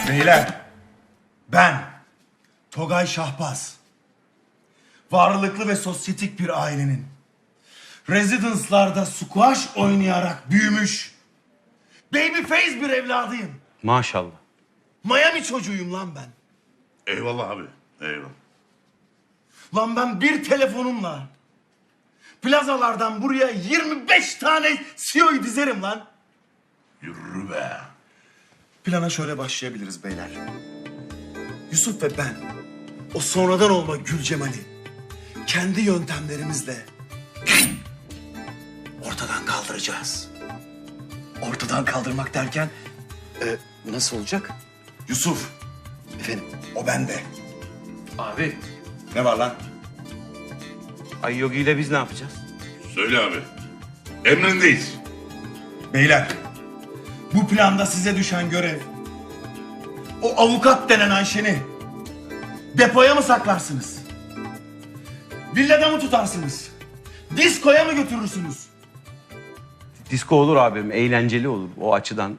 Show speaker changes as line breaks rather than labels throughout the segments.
Beyler, ben Togay Şahbaz, varlıklı ve sosyetik bir ailenin rezidanslarda squash oynayarak büyümüş babyface bir evladıyım.
Maşallah.
Miami çocuğuyum lan ben.
Eyvallah abi, eyvallah.
Lan ben bir telefonumla plazalardan buraya 25 tane CEO'yu dizerim lan.
Yürü be.
Plana şöyle başlayabiliriz beyler. Yusuf ve ben o sonradan olma Gülcemal'i kendi yöntemlerimizle ortadan kaldıracağız.
Ortadan kaldırmak derken nasıl olacak?
Yusuf,
Efendim?
o bende.
Abi,
Ne var lan?
Ay Yogi ile biz ne yapacağız?
Söyle abi. Emrindeyiz.
Beyler, bu planda size düşen görev o avukat denen Ayşen'i depoya mı saklarsınız? Villada mı tutarsınız? Diskoya mı götürürsünüz?
Disko olur abim, eğlenceli olur o açıdan.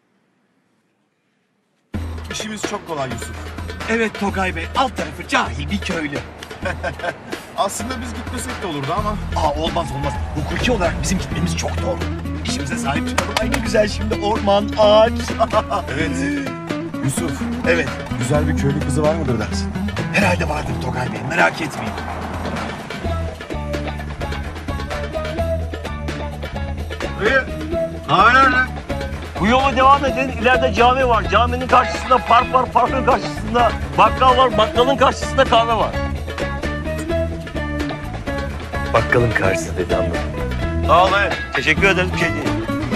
İşimiz çok kolay Yusuf.
Evet Togay Bey, alt tarafı cahil bir köylü.
Aslında biz gitmesek de olurdu ama
Olmaz. Hukuki olarak bizim gitmemiz çok doğru. İşimize sahip çıkalım. Ay ne güzel şimdi orman, ağaç.
evet. Yusuf,
Evet,
güzel bir köylü kızı var mıdır dersin?
herhalde vardır Togay Bey, merak etmeyin.
Bu yola devam edin. İleride cami var. Caminin karşısında park var. Parkın karşısında bakkal var. Bakkalın karşısında kahve var. Bakkalın karşısı dedi anladım. Sağ ol. Teşekkür ederim. Bir şey değil.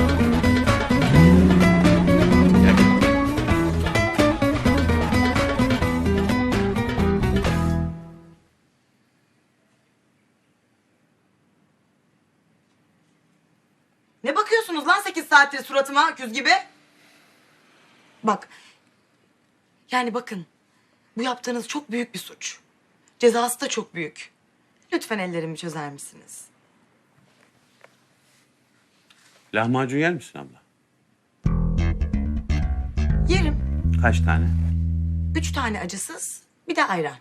Ne bakıyorsunuz lan 8 saattir suratıma öküz gibi? Bak. Yani bakın. Bu yaptığınız çok büyük bir suç. Cezası da çok büyük. Lütfen ellerimi çözer misiniz?
Lahmacun yer misin abla?
Yerim.
Kaç tane?
3 tane acısız, bir de ayran.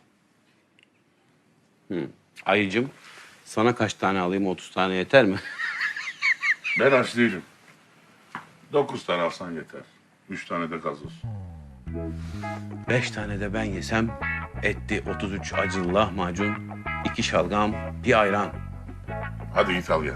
Ayıcım, sana kaç tane alayım? 30 tane yeter mi?
Ben aç değilim. 9 tane alsan yeter. 3 tane de gazoz.
5 tane de ben yesem etti 33 acılı lahmacun, 2 şalgam, bir ayran.
Hadi git al gel.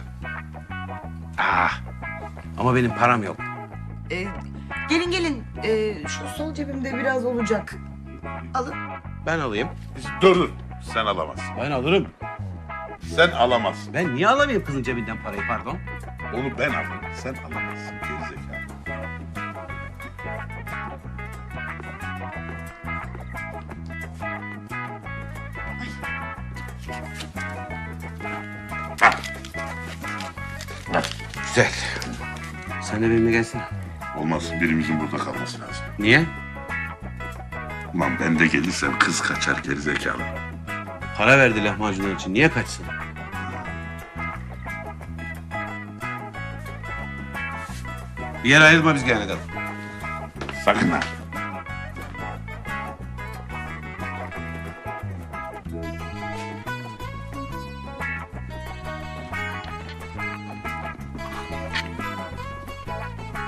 Ama benim param yok.
Gelin. Şu sol cebimde biraz olacak. Alın.
Ben alayım.
Dur. Sen alamazsın.
Ben alırım.
Sen alamazsın.
Ben niye alamayayım kızın cebinden parayı pardon?
Onu ben alırım. Sen alamazsın. Gerizekalı.
Güzel. Sen de benimle gelsene.
Olmaz. Birimizin burada kalması lazım.
Niye?
Ulan ben de gelirsem kız kaçar gerizekalı.
Para verdi lahmacunlar için. Niye kaçsın? Bir yer ayırma biz gelene kadar.
Sakın ha.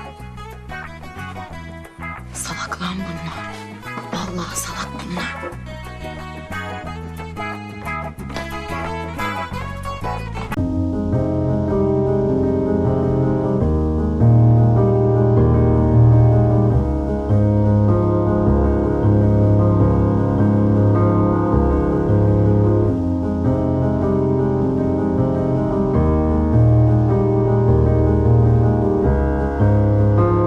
Salak lan bunlar. Vallahi salak bunlar.